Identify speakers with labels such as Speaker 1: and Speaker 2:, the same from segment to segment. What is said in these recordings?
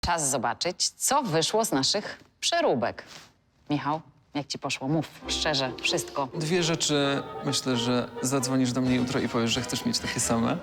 Speaker 1: Czas zobaczyć, co wyszło z naszych przeróbek. Michał, jak ci poszło? Mów szczerze, wszystko.
Speaker 2: Dwie rzeczy, myślę, że zadzwonisz do mnie jutro i powiesz, że chcesz mieć takie same.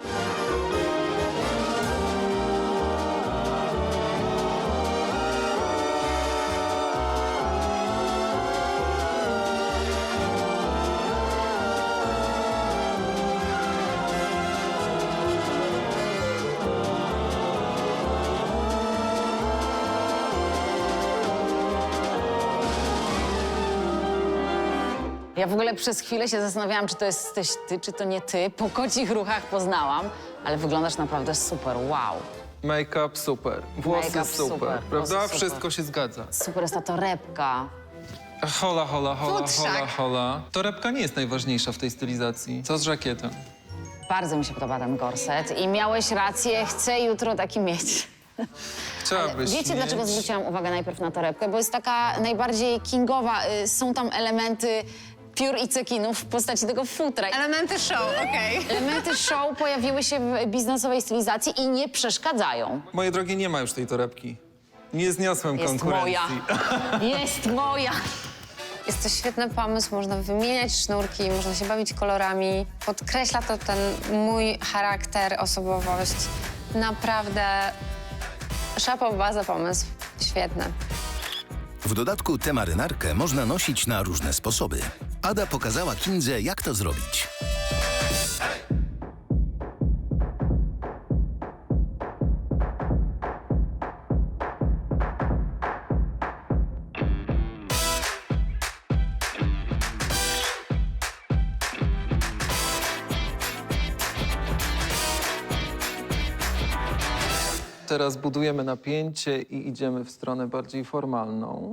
Speaker 1: Ja w ogóle przez chwilę się zastanawiałam, czy to jesteś ty, czy to nie ty. Po kocich ruchach poznałam, ale wyglądasz naprawdę super, wow.
Speaker 2: Make-up super, włosy
Speaker 1: Make-up
Speaker 2: super,
Speaker 1: super,
Speaker 2: prawda?
Speaker 1: włosy super.
Speaker 2: Wszystko się zgadza.
Speaker 1: Super jest ta torebka.
Speaker 2: Hola, hola, hola,
Speaker 1: Futrzak.
Speaker 2: hola, hola. Torebka nie jest najważniejsza w tej stylizacji. Co z żakietem?
Speaker 1: Bardzo mi się podoba ten gorset i miałeś rację, chcę jutro taki mieć.
Speaker 2: Chciałabyś
Speaker 1: Wiecie,
Speaker 2: mieć...
Speaker 1: dlaczego zwróciłam uwagę najpierw na torebkę? Bo jest taka najbardziej kingowa. Są tam elementy piór i cekinów w postaci tego futra.
Speaker 3: Elementy show, okej.
Speaker 1: Elementy show pojawiły się w biznesowej stylizacji i nie przeszkadzają.
Speaker 2: Moje drogie, nie ma już tej torebki. Nie zniosłem
Speaker 1: Jest
Speaker 2: konkurencji.
Speaker 1: moja. Jest moja.
Speaker 3: Jest to świetny pomysł, można wymieniać sznurki, można się bawić kolorami. Podkreśla to ten mój charakter, osobowość. Naprawdę szapoba za pomysł. Świetny.
Speaker 4: W dodatku tę marynarkę można nosić na różne sposoby. Ada pokazała Kindze, jak to zrobić.
Speaker 2: Teraz budujemy napięcie i idziemy w stronę bardziej formalną.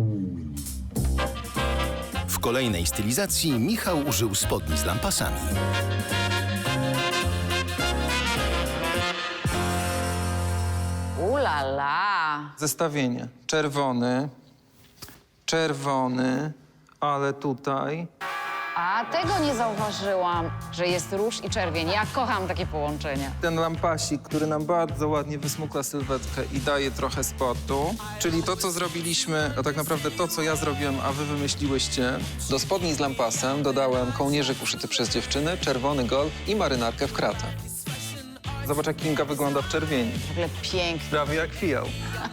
Speaker 4: W kolejnej stylizacji Michał użył spodni z lampasami.
Speaker 1: Ulala.
Speaker 2: Zestawienie. Czerwony, czerwony, ale tutaj...
Speaker 1: A tego nie zauważyłam, że jest róż i czerwień. Ja kocham takie połączenie.
Speaker 2: Ten lampasik, który nam bardzo ładnie wysmukla sylwetkę i daje trochę spotu. Czyli to, co zrobiliśmy, a tak naprawdę to, co ja zrobiłem, a wy wymyśliłyście. Do spodni z lampasem dodałem kołnierzyk uszyty przez dziewczynę, czerwony golf i marynarkę w kratę. Zobacz, jak Kinga wygląda w czerwieni.
Speaker 1: W ogóle pięknie.
Speaker 2: Prawie jak fijał.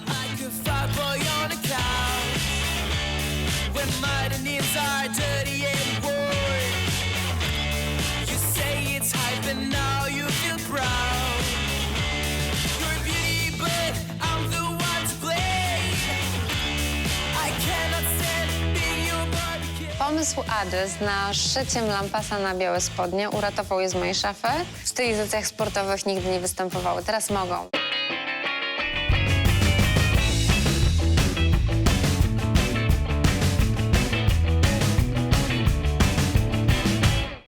Speaker 3: Pomysł Ady z naszyciem lampasa na białe spodnie uratował je z mojej szafy. W stylizacjach sportowych nigdy nie występowały, teraz mogą.